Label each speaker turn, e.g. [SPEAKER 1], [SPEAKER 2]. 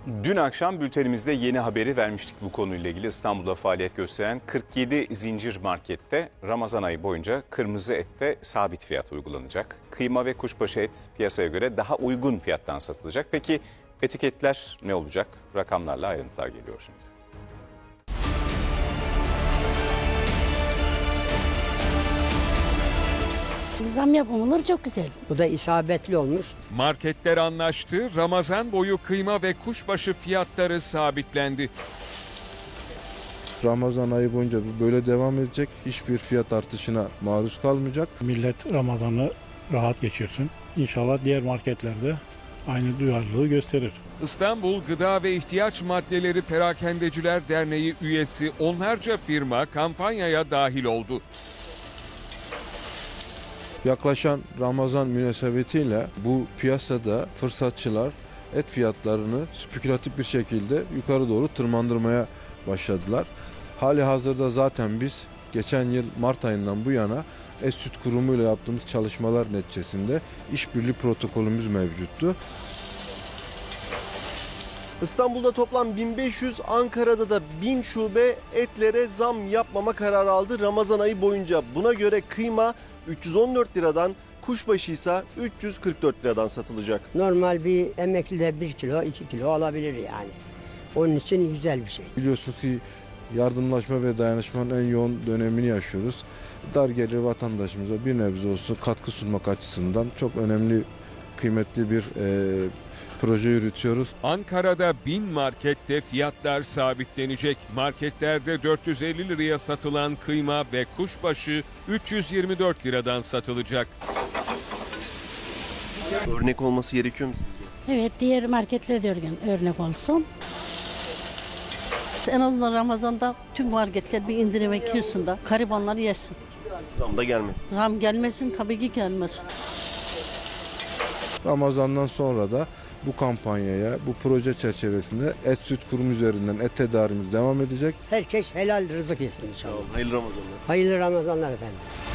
[SPEAKER 1] Dün akşam bültenimizde yeni haberi vermiştik bu konuyla ilgili. İstanbul'da faaliyet gösteren 47 zincir markette Ramazan ayı boyunca kırmızı ette sabit fiyat uygulanacak. Kıyma ve kuşbaşı et piyasaya göre daha uygun fiyattan satılacak. Peki etiketler ne olacak? Rakamlarla ayrıntılar geliyor şimdi.
[SPEAKER 2] Zam yapılır çok güzel.
[SPEAKER 3] Bu da isabetli olmuş.
[SPEAKER 4] Marketler anlaştı, Ramazan boyu kıyma ve kuşbaşı fiyatları sabitlendi.
[SPEAKER 5] Ramazan ayı boyunca bu böyle devam edecek. Hiçbir fiyat artışına maruz kalmayacak.
[SPEAKER 6] Millet Ramazan'ı rahat geçirsin. İnşallah diğer marketlerde aynı duyarlılığı gösterir.
[SPEAKER 4] İstanbul Gıda ve İhtiyaç Maddeleri Perakendeciler Derneği üyesi onlarca firma kampanyaya dahil oldu.
[SPEAKER 5] Yaklaşan Ramazan münasebetiyle bu piyasada fırsatçılar et fiyatlarını spekülatif bir şekilde yukarı doğru tırmandırmaya başladılar. Hali hazırda zaten biz geçen yıl Mart ayından bu yana Et Süt Kurumu ile yaptığımız çalışmalar neticesinde işbirliği protokolümüz mevcuttu.
[SPEAKER 7] İstanbul'da toplam 1500, Ankara'da da 1000 şube etlere zam yapmama kararı aldı Ramazan ayı boyunca. Buna göre kıyma 314 liradan, kuşbaşı ise 344 liradan satılacak.
[SPEAKER 3] Normal bir emekli de 1 kilo 2 kilo alabilir yani. Onun için güzel bir şey.
[SPEAKER 5] Biliyorsunuz ki yardımlaşma ve dayanışmanın en yoğun dönemini yaşıyoruz. Dar gelir vatandaşımıza bir nebze olsun katkı sunmak açısından çok önemli, kıymetli bir proje yürütüyoruz.
[SPEAKER 4] Ankara'da 1000 markette fiyatlar sabitlenecek. Marketlerde 450 liraya satılan kıyma ve kuşbaşı 324 liradan satılacak.
[SPEAKER 7] Örnek olması gerekiyor mu sizce?
[SPEAKER 2] Evet, diğer marketlere de örnek olsun.
[SPEAKER 8] En azından Ramazan'da tüm marketler bir indirime girsin de garibanlar yesin.
[SPEAKER 7] Zam da gelmez.
[SPEAKER 8] Zam gelmesin, tabii ki gelmez.
[SPEAKER 5] Ramazan'dan sonra da bu kampanyaya, bu proje çerçevesinde Et Süt Kurumu üzerinden et tedarimiz devam edecek.
[SPEAKER 3] Herkes helal rızık yesin inşallah.
[SPEAKER 7] Hayırlı Ramazanlar.
[SPEAKER 3] Hayırlı Ramazanlar efendim.